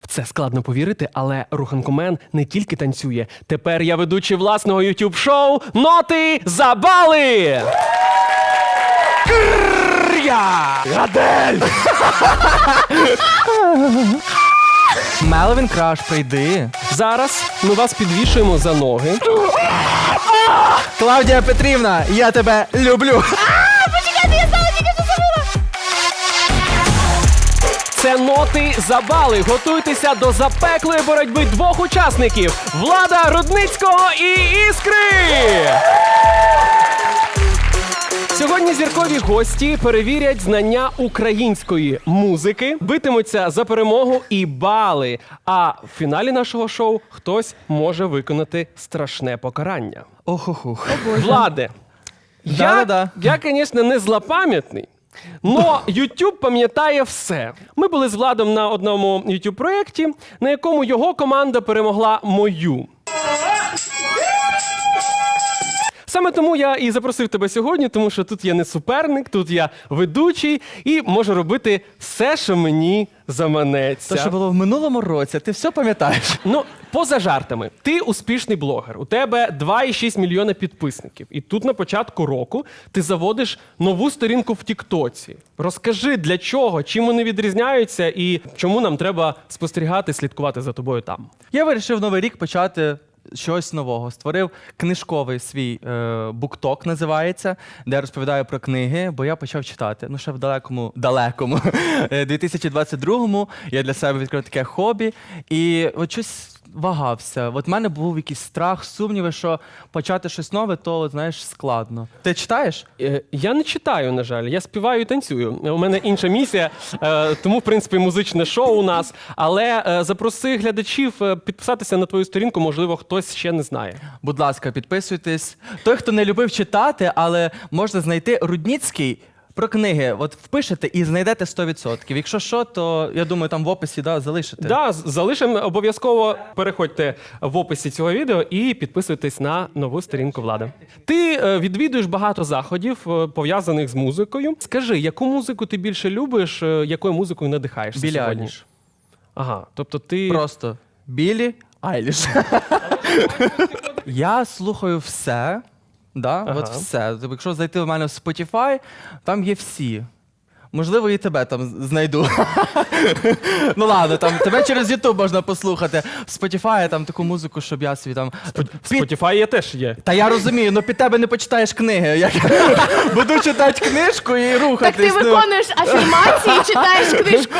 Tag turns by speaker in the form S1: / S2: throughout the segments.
S1: Це складно повірити, але Руханкомен не тільки танцює. Тепер я ведучий власного YouTube-шоу «Ноти за бали». Адель!
S2: Меловін Краш, прийди.
S1: Зараз ми вас підвішуємо за ноги.
S2: Клавдія Петрівна, я тебе люблю.
S1: Це «Ноти за бали». Готуйтеся до запеклої боротьби двох учасників – Влада Рудницького і Іскри! Сьогодні зіркові гості перевірять знання української музики, битимуться за перемогу і бали. А в фіналі нашого шоу хтось може виконати страшне покарання.
S2: Охохух.
S1: Владе,
S2: Да-да-да.
S1: я, звісно, не злопам'ятний, но YouTube пам'ятає все. Ми були з Владом на одному YouTube-проєкті, на якому його команда перемогла мою. Саме тому я і запросив тебе сьогодні, тому що тут я не суперник, тут я ведучий і можу робити все, що мені заманеться.
S2: То, що було в минулому році, ти все пам'ятаєш?
S1: Ну, поза жартами. Ти успішний блогер. У тебе 2,6 мільйона підписників. І тут на початку року ти заводиш нову сторінку в Тіктоці. Розкажи, для чого, чим вони відрізняються і чому нам треба спостерігати, слідкувати за тобою там.
S2: Я вирішив Новий рік почати щось нового. Створив книжковий свій букток, називається, де я розповідаю про книги, бо я почав читати. Ну, ще в далекому 2022-му я для себе відкрив таке хобі. І от щось вагався. От в мене був якийсь страх, сумніви, що почати щось нове, то, от, знаєш, складно. Ти читаєш?
S1: Я не читаю, на жаль. Я співаю і танцюю. У мене інша місія, тому, в принципі, музичне шоу у нас. Але запроси глядачів підписатися на твою сторінку, можливо, хтось ще не знає.
S2: Будь ласка, підписуйтесь. Той, хто не любив читати, але можна знайти Рудницький про книги. От впишете і знайдете 100%. Якщо що, то, я думаю, там в описі залишите.
S1: Да, залишимо обов'язково. Переходьте в описі цього відео і підписуйтесь на нову сторінку Влада. Ти відвідуєш багато заходів, пов'язаних з музикою. Скажи, яку музику ти більше любиш, якою музикою надихаєшся
S2: Білі
S1: сьогодні?
S2: Айліш.
S1: Ага, тобто ти...
S2: Просто Білі Айліш. Я слухаю все. Да?
S1: Ага.
S2: От все. Тобто, якщо зайти в мене в Spotify, там є всі. Можливо, і тебе там знайду. Ну ладно, там тебе через YouTube можна послухати. В Spotify там таку музику, щоб я собі там...
S1: Spotify є теж є.
S2: Та я розумію, ну під тебе не почитаєш книги. Я буду читати книжку і
S3: Так
S2: рухатись.
S3: ти виконуєш афірмації, читаєш книжку.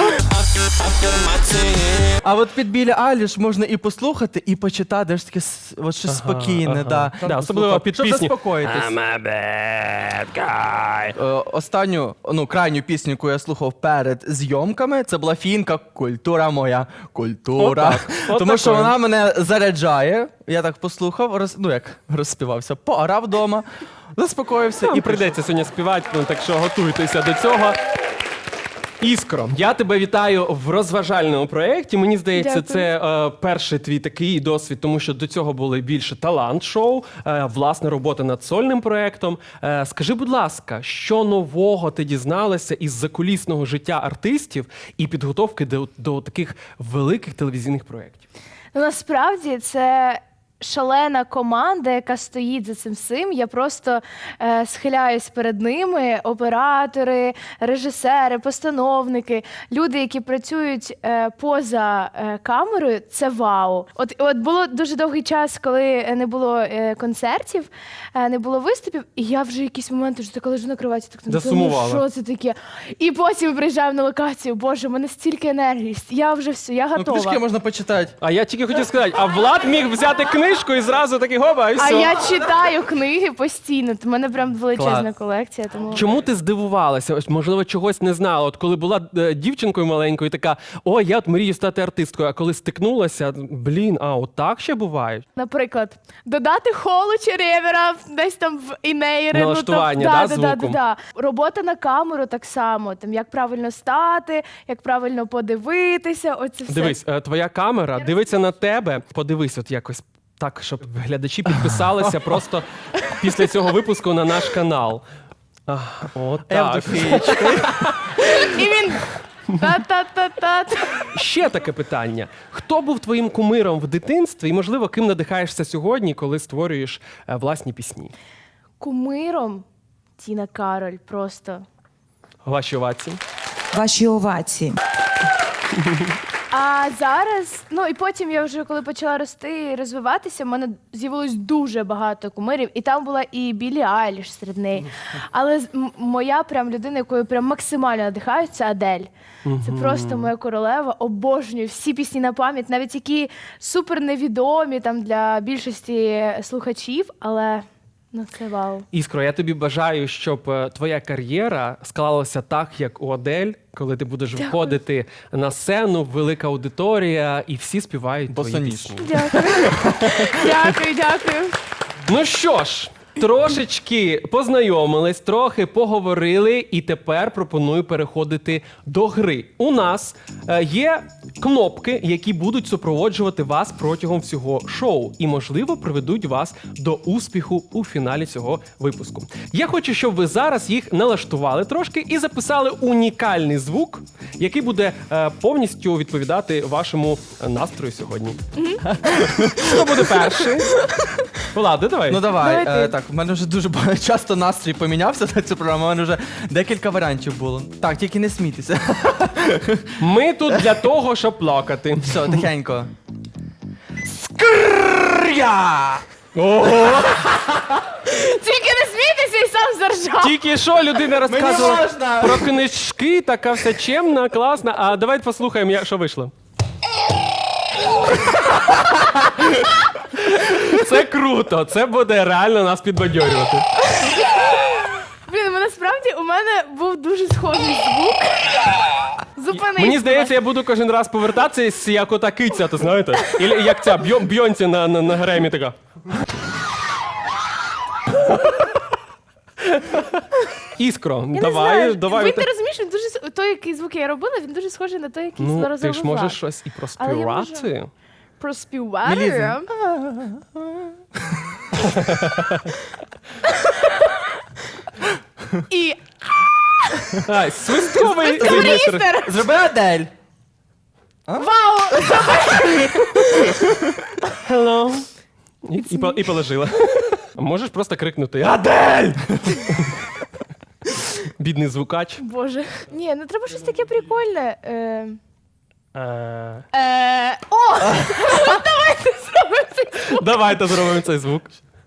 S2: А от під Білі Айліш можна і послухати, і почитати. Ж таке от щось спокійне. Да.
S1: Да, особливо під
S2: щоб
S1: пісні.
S2: заспокоїтись.
S1: I'm a bad guy.
S2: Останню, крайню пісню, яку я слухав перед зйомками, це була фінка «Культура моя, культура». Тому що вона мене заряджає. Я так послухав, розспівався, поорав вдома, заспокоївся
S1: І
S2: і
S1: прийдеться сьогодні співати, так що готуйтеся до цього. Іскро, я тебе вітаю в розважальному проєкті. Мені здається,
S3: Дякую.
S1: це перший твій такий досвід, тому що до цього були більше талант-шоу, власне, робота над сольним проєктом. Скажи, будь ласка, що нового ти дізналася із закулісного життя артистів і підготовки до таких великих телевізійних проєктів?
S3: Ну, насправді це шалена команда, яка стоїть за цим всім. Я просто схиляюсь перед ними. Оператори, режисери, постановники, люди, які працюють поза камерою, це вау. От було дуже довгий час, коли не було концертів, не було виступів, і я вже якісь моменти вже така лежу на кроваті, так
S1: Засумувала.
S3: що це таке? І потім приїжджаю на локацію. Боже, в мене стільки енергії. Я вже все, я готова.
S2: книжки можна почитати.
S1: А я тільки хотів сказати, а Влад міг взяти книжку і зразу такий гоба, і все.
S3: А я читаю книги постійно. У мене прям величезна
S2: Клас.
S3: колекція. Тому
S1: Чому ти здивувалася? Ось, можливо, чогось не знала. От коли була дівчинкою маленькою, така, о, я от мрію стати артисткою, а коли стикнулася, блін, а от так ще буває?
S3: наприклад, додати холу чи ревера десь там в інейри.
S1: Налаштування, звуком?
S3: Робота на камеру так само. Там як правильно стати, як правильно подивитися. Оце все.
S1: Дивись, твоя камера дивиться на тебе. Подивись, от якось так, щоб глядачі підписалися просто після цього випуску на наш канал. От так.
S3: І він Та-та-та-та.
S1: Ще таке питання. Хто був твоїм кумиром в дитинстві і, можливо, ким надихаєшся сьогодні, коли створюєш власні пісні?
S3: Кумиром Тіна Кароль просто.
S1: Ваші овації.
S4: Ваші овації.
S3: А зараз, ну і потім я вже коли почала рости і розвиватися, в мене з'явилось дуже багато кумирів, і там була і Біллі Айліш серед неї. Але моя прям людина, якою прям максимально надихаю, це Адель. Це просто моя королева. Обожнюю всі пісні на пам'ять, навіть які супер невідомі там для більшості слухачів, але ну це вау.
S1: Іскро, я тобі бажаю, щоб твоя кар'єра склалася так, як у Адель, коли ти будеш виходити на сцену, велика аудиторія, і всі співають твої
S2: Босоніж.
S1: пісні.
S3: Дякую. Дякую.
S1: Ну що ж, трошечки познайомились, трохи поговорили, і тепер пропоную переходити до гри. У нас є кнопки, які будуть супроводжувати вас протягом всього шоу і, можливо, приведуть вас до успіху у фіналі цього випуску. Я хочу, щоб ви зараз їх налаштували трошки і записали унікальний звук, який буде повністю відповідати вашому настрою сьогодні. Хто буде перший? Влада, давай.
S2: Ну давай,
S3: Давай ти.
S2: так, в мене вже дуже часто настрій помінявся на цю програму, у мене вже декілька варіантів було. Так, тільки не смійтеся.
S1: Ми тут для того, щоб плакати.
S2: Все, тихенько. Скря!
S1: Ого!
S3: Тільки не смійтеся і сам заржав.
S1: Тільки що людина розказувала
S2: можна.
S1: про книжки, така вся чемна, класна. А давайте послухаємо, що вийшло. Це круто, це буде реально нас підбадьорювати.
S3: Блін, насправді у мене був дуже схожий звук. Зупинись.
S1: Мені здається, я буду кожен раз повертатися, як ота киця, то знаєте? І як ця Бьонсі на Гремі така. Іскро,
S3: Я
S1: давай,
S3: не знаю.
S1: давай.
S3: Ви не розумієш, він дуже той, який звук я робила, він дуже схожий на той, який
S1: Ну,
S3: зараз
S1: ти ж
S3: робила.
S1: можеш щось і
S3: Але я можу.
S1: проспівати.
S3: Проспівати.
S2: Мелізм.
S3: І
S1: Ай, свистковий регістр.
S3: Містер!
S2: Зроби Адель.
S3: Вау!
S1: Hello. І положила. А можеш просто крикнути «Адель!» Бідний звукач.
S3: Боже. Ні, ну треба щось таке прикольне. О! Давайте зробимо це.
S1: Давайте зробимо цей звук.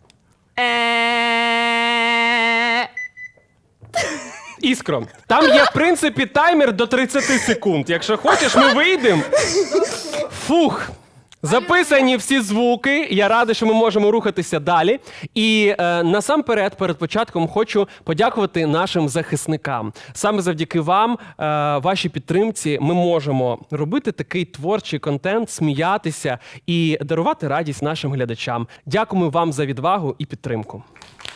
S1: Іскро, там є, в принципі, таймер до 30 секунд. Якщо хочеш, ми вийдемо. Фух. Записані всі звуки. Я радий, що ми можемо рухатися далі. І насамперед, перед початком, хочу подякувати нашим захисникам. Саме завдяки вам, вашій підтримці, ми можемо робити такий творчий контент, сміятися і дарувати радість нашим глядачам. Дякуємо вам за відвагу і підтримку.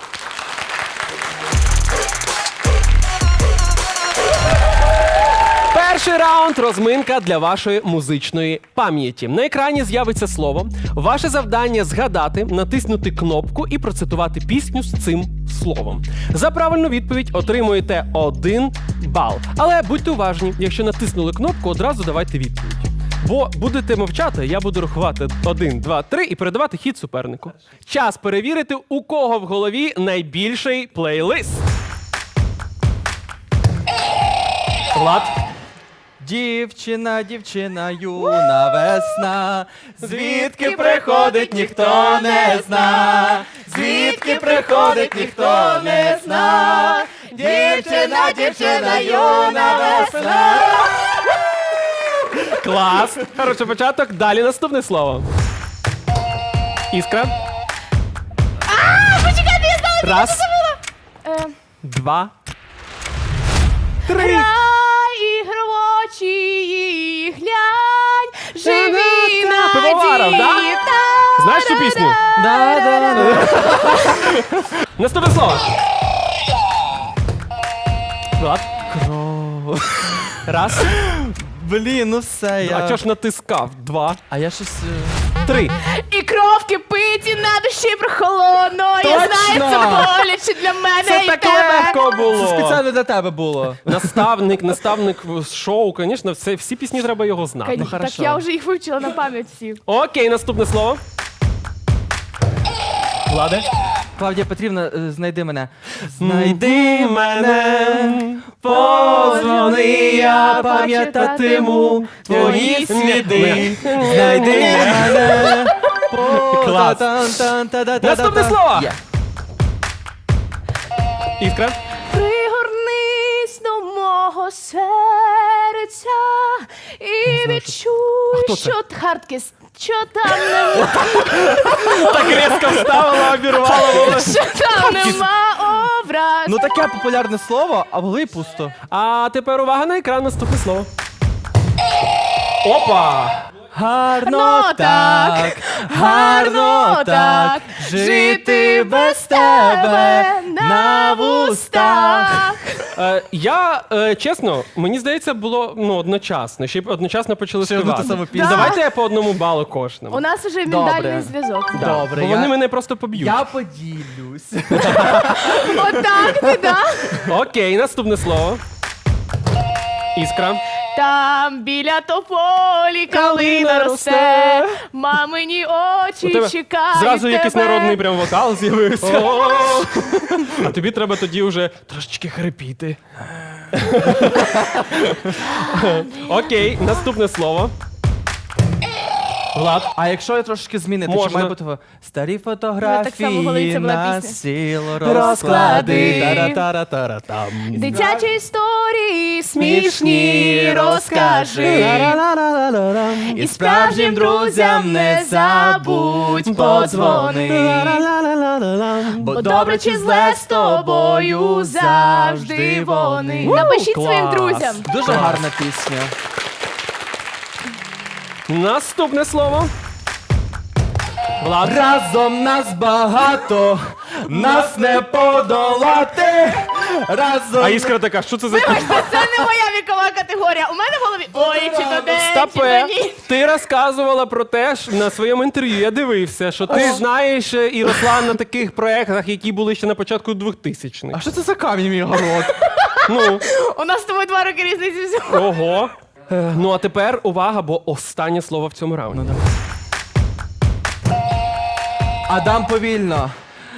S1: Перший раунд – розминка для вашої музичної пам'яті. На екрані з'явиться слово. Ваше завдання – згадати, натиснути кнопку і процитувати пісню з цим словом. За правильну відповідь отримуєте 1 бал. Але будьте уважні, якщо натиснули кнопку, одразу давайте відповідь. Бо будете мовчати, я буду рахувати 1, 2, 3 і передавати хід супернику. Час перевірити, у кого в голові найбільший плейлист. Влад.
S2: Дівчина, дівчина, юна весна, звідки приходить, ніхто не зна, звідки приходить, ніхто не зна, дівчина, дівчина, юна весна.
S1: Клас! Хороший початок. Далі наступне слово. Іскра.
S3: Почекайте, я знала,
S1: Раз,
S3: що це було.
S1: 2, 3.
S3: Грай, ігровочі, глянь, живі
S1: Пивоваров, да?
S3: надії.
S1: Знаєш цю пісню? Наступне слово. Влад.
S2: Раз. Блін, ну все,
S1: А чого ж натискав? 2.
S2: А я щось...
S1: 3.
S3: І кров кипить, і на душі прохолодно. Я
S2: Точно!
S3: знаю, це боляче для мене
S1: Це
S3: і
S1: так
S3: тебе.
S1: легко
S2: Це
S1: було.
S2: спеціально для тебе було.
S1: Наставник з шоу, звісно, всі пісні треба його знати.
S3: Так
S2: хорошо.
S3: я вже їх вивчила на пам'ять всі.
S1: Окей, наступне слово. Владе?
S2: Клавдія Петрівна, знайди мене.
S1: Знайди мене, позвони, я пам'ятатиму твої сліди.
S2: Знайди мене.
S1: Клас. Наступне слово.
S2: Є.
S1: Іскра?
S3: Пригорнись до мого серця і відчуй,
S1: хто це?
S3: що хардкіс, що там нема,
S1: Так різко вставила, обірвала волосся.
S3: що там нема образ.
S2: Ну таке популярне слово, а в голові пусто.
S1: А тепер увага на екран, наступне слово. Опа!
S2: Гарно
S3: Ну, так,
S2: гарно так, жити без тебе на вустах.
S1: Я, чесно, мені здається, було одночасно. Ще й одночасно почали
S2: Ще одну
S1: співати.
S2: ту саму пісню.
S1: Давайте я по одному балу кожному.
S3: У нас вже
S2: Добре.
S3: ментальний зв'язок.
S1: Да.
S2: Добре,
S1: Бо вони мене просто поб'ють.
S2: Я поділюсь.
S3: Отак ти, да?
S1: Окей, наступне слово. Іскра.
S3: Там біля тополі калина росте, мамині
S1: У
S3: очі
S1: тебе
S3: чекають
S1: зразу якийсь
S3: тебе.
S1: народний прям вокал з'явився. А тобі треба тоді вже трошечки хрипіти. Окей, наступне слово. Влад.
S2: А якщо я трошки змінити,
S1: Можна.
S2: чи має бути старі
S3: Ну, так само в голові
S2: фотографії
S3: це була
S2: на
S3: пісня.
S2: сіло
S3: Розклади.
S2: розклади. Тара-тара-тара-там.
S3: Дитячі історії смішні розкажи.
S2: І справжнім друзям не забудь подзвони.
S3: Бо добре чи зле з тобою завжди вони. Напишіть своїм
S1: клас.
S3: друзям.
S2: Дуже гарна пісня.
S1: Наступне слово. Влад.
S2: Разом нас багато, нас не подолати. Разом.
S1: А Іскра така, що це за...
S3: Це не моя вікова категорія. У мене в голові ой, чи то день, чи
S1: Стопе,
S3: то ні.
S1: ти розказувала про те, що на своєму інтерв'ю я дивився, що ти знаєш і росла на таких проєктах, які були ще на початку 2000-х.
S2: А що це за камінь мій город?
S1: Ну,
S3: У нас з тобою 2 роки різниці всього.
S1: ого. Ну а тепер увага, бо останнє слово в цьому раунді.
S2: Адам повільно.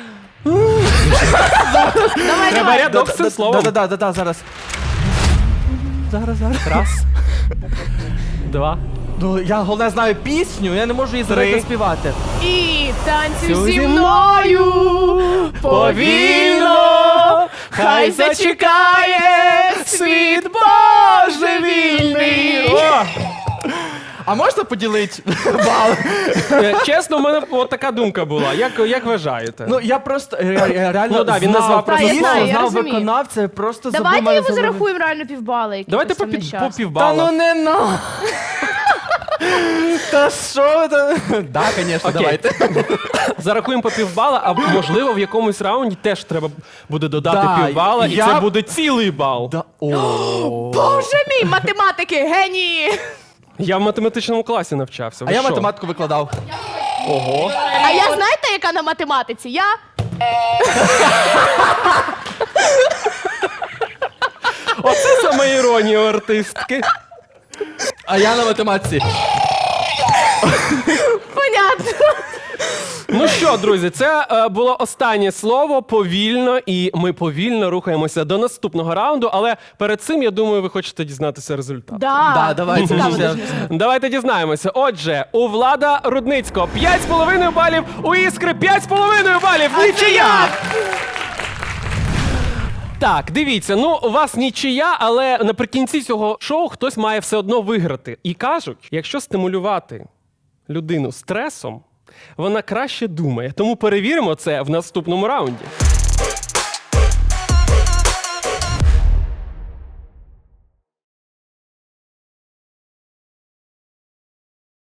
S1: Треба рядок з цим словом.
S2: Да, зараз. Зараз.
S1: Раз. Два.
S2: Ну, я головне знаю пісню, я не можу її зараз
S1: Три.
S2: заспівати.
S3: І танцюй
S1: Цю
S3: зі
S1: зі
S3: мною повільно, хай зачекає світ божевільний.
S1: О!
S2: А можна поділити бал?
S1: Чесно, в мене от така думка була. Як вважаєте?
S2: Ну, я просто реально
S1: Ну да, він назвав
S3: просто
S2: пісню,
S3: знаю, я
S2: знав
S3: розумію.
S2: виконавця, просто забув
S3: Давайте
S2: мене
S3: йому
S2: забув.
S3: зарахуємо реально півбали. який
S1: Давайте
S3: хтось там
S1: по
S3: нещасний.
S2: Та
S1: півбала.
S2: ну не на. Та що це? Да, звісно,
S1: Окей.
S2: давайте.
S1: Зарахуємо по півбала, а можливо в якомусь раунді теж треба буде додати
S2: Да,
S1: півбала, і
S2: я-
S1: це буде цілий бал.
S2: Да, о.
S3: Боже мій, математики, генії!
S1: Я в математичному класі навчався. Ви
S2: А я
S1: що?
S2: математику викладав.
S1: Ого.
S3: А я знаєте, яка на математиці? Я
S1: Оце саме іронія у артистки.
S2: А я на математиці.
S3: понятно.
S1: Ну що, друзі, це було останнє слово повільно, і ми повільно рухаємося до наступного раунду. Але перед цим, я думаю, ви хочете дізнатися результат.
S2: Да, давайте.
S3: Цікаво
S2: Все.
S3: дуже.
S1: Давайте дізнаємося. Отже, у Влада Рудницького 5,5 балів, у Іскри 5,5 балів. Нічия! Так, дивіться, ну у вас нічия, але наприкінці цього шоу хтось має все одно виграти. І кажуть, якщо стимулювати людину стресом, вона краще думає. Тому перевіримо це в наступному раунді.